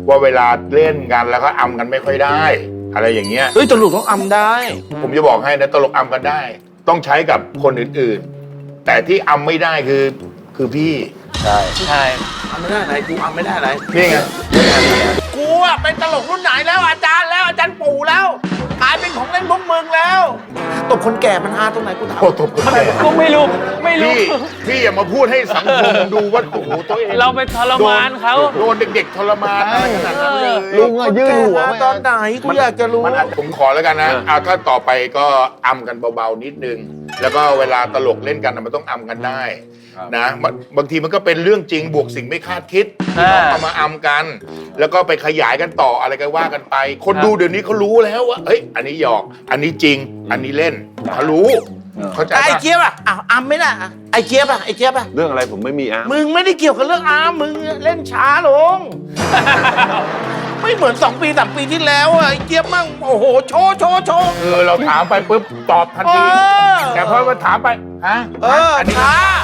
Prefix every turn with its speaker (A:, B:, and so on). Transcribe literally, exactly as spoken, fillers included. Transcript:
A: ว่าเวลาเล่นกันแล้วก็อำกันไม่ค่อยได้ อะไรอย่างเงี้ย
B: เฮ้ยตลกต้องอำได้
A: ผมจะบอกให้นะตลกอำกันได้ ต้องใช้กับคนอื่นๆ แต่ที่อำไม่ได้คือคือพี่
B: ใช่
C: ใช่
B: อำไม่ได้อะไรกูอำไม่ได้อะไร
A: นี่ไง
B: กูอะเป็นตลกรุ่นไหนแล้วอาจารย์แล้วอาจารย์ปู่แล้วกลายเป็นของเล่นพวกมึงแล้วตบคนแก่มันฮาตรงไหนกูถาม
A: โอ้ตบคนแก่
C: ก็ไม่รู้ไม่รู้
A: พี่พี่อย่ามาพูดให้สังคมดูว่าโอ้โหตัวเอง
C: เราไปทรมานเขา
A: โดนเด็กๆทรมานอะไรขนาดนั้นเลย
D: ลุงอะยื่นหัว
B: ตอนไหนกูอยากจะรู้
A: มันอาจผมขอแล้วกันนะเอาถ้าต่อไปก็อำกันเบาๆนิดนึง แล้วก็เวลาตลกเล่นกันนะมันต้องอำกันได้นะบางบางทีมันก็เป็นเรื่องจริงบวกสิ่งไม่คาดคิดที่เขาเอามาอำกัน แล้วก็ไปขยายกันต่ออะไรก็ว่ากันไป คนดูเดี๋ยวนี้เขารู้แล้วว่าเอ้ยอันนี้หยอก อันนี้จริง อันนี้เล่นเขารู้เขาใจ
B: ไอ้
A: ปะ
B: เจี๊ยบอะอ้าวอำไม่ได้อะไอ้เจี๊ยบอะไอ้เจี๊ยบอะ
D: เรื่องอะไรผมไม่มีอ่ะ
B: มึงไม่ได้เกี่ยวกับเรื่องอามมึงเล่นช้าลง ไม่เหมือนสองปีสามปีที่แล้วอะไอ้เจี๊ยบมั่งโอ้โหโชว์โชว์โชว์
A: เออเราถามไปปุ๊บตอบทัน
B: เอ
A: ที
B: อ
A: แต่พอมาถามไปฮะ
B: เออ
A: อันนี้
B: ช้า